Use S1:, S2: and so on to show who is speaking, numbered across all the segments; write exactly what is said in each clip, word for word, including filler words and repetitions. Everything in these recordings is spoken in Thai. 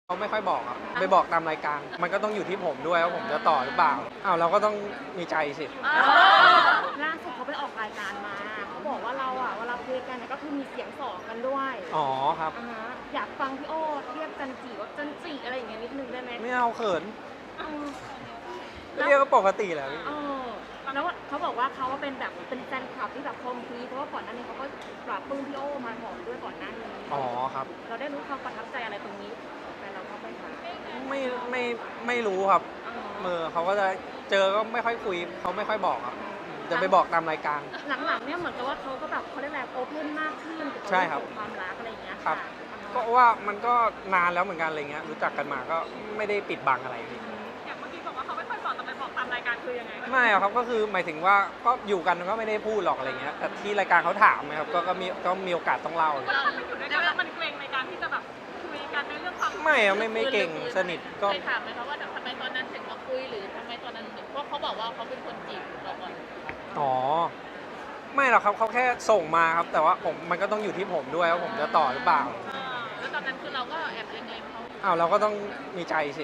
S1: เขาไม่ค่อยบอกครับไปบอกตามรายการมันก็ต้องอยู่ที่ผมด้วยว่าผมจะต่อหรือเปล่าอ้าวเราก็ต้องมีใจสิ
S2: ล่าสุดเขาไปออกรายการมาเขาบอกว่าเราอ่ะเวลาคุยกันเนี่ยก็คือมีเสียงสองกันด้วย
S1: อ๋อครับ
S2: อ่าฮะอยากฟังพี่โอ้เรียกจันจีว่าจันจีอะไรอย่างเงี้ยนิดนึงได้ไหม
S1: ไม่เอาเขิน
S2: เออ
S1: เรียกก็ปกติแหละพี่
S2: เออแล้วเขาบอกว่าเขาเป็นแบบเป็นแฟนคลับที่แบบคอมพลีเพราะว่าก่อนหน้านี้เขาก็ปรับปรื้มพี่โอ้มาหอมด้วยก่อนหน้านี้
S1: อ๋อครับ
S2: เราได้รู้ความประทับใจอะไรตรงนี้แต่เราก็ไม่ถาม
S1: ไม่ไม่ไม่รู้ครับเมื่อเขาก็จะเจอก็ไม่ค่อยคุยเขาไม่ค่อยบอกครับจะไปบอกตามรายการ
S2: หลังๆเนี่ยเหมือนกับว่าเขาก็แบบเขาเรียกอะไรโอเพนมากขึ้นเกี่ยวกับเรื่องความรักอะไรอย่างเงี้ย
S1: ครับก็ว่ามันก็นานแล้วเหมือนกันอะไรเงี้ยรู้จักกันมาก็ไม่ได้ปิดบังอะไรพี่
S2: อย่างเมื่อกี้บอกว่าเขาไม่ค่อยบอกแต่ไปบอกตามรายการคือยังไง
S1: ไม่ครับก็คือหมายถึงว่าก็อยู่กันก็ไม่ได้พูดหรอกอะไรเงี้ยแต่ที่รายการเขาถามนะครับก็ก็มีก็มีโอกาสต้องเล่า
S2: เราไปอยู่ด้วยกันแล้วมันเกรงในการที่จะแบบคุยกันในเรื่องความ
S1: ไม่อะไม่ไม่เก่งสนิทก็
S3: เคยถามไหมคะว่าทำไมตอนนั้นถึงมาคุยหรือทำไมตอนนั้นถึงเพราะเขาบอกว่าเขาเป็นคนจีบเราก่อน
S1: อ๋อไม่หรอกครับเขาแค่ส่งมาครับแต่ว่าผมมันก็ต้องอยู่ที่ผมด้วยว่าผมจะต่อหรือเปล่า
S3: แล้วตอนนั้นคือเราก็แอบเล็งๆเขา
S1: อ้าวเราก็ต้องมีใจสิ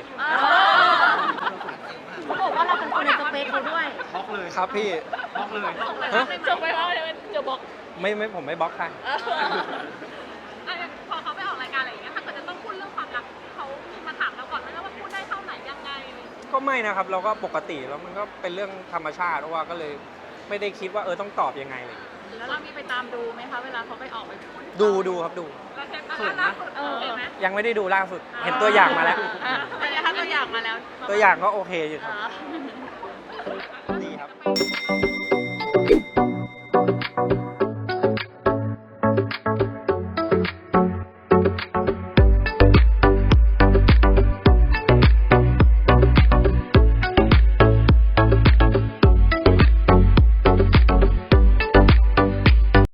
S2: เขาบอกว่าเราเป็นคนในสเปคเขาด้วย
S1: บล็อกเลยครับพี่บล็อกเลย
S3: จบไปว่าจะบอก
S1: ไม่ไม่ผมไม่บล็อกใคร
S2: พอเขาไปออกรายการอะไรอย่างเงี้ยถ้าเกิดจะต้องพูดเรื่องความรักเขามาถามเราก่อนไหมว่าพูดได้เท่าไหนยังไง
S1: ก็ไม่นะครับเราก็ปกติแล้วมันก็เป็นเรื่องธรรมชาติเพราะว่าก็เลยไม่ได้คิดว่าเออต้องตอบยังไงเลย
S3: แล้วเรามีไปตามดูไหมคะเวลาเขาไปออกไปพูด
S1: ดูดูครับดู
S2: แล้วเทปล่าสุดเออไหม
S1: ยังไม่ได้ดูล่าสุดเห็นตัวอย่างมาแล้ว
S3: เป็นไงคะตัวอย่างมาแล้ว
S1: ตัวอย่างก็โอเคอยู่ครับ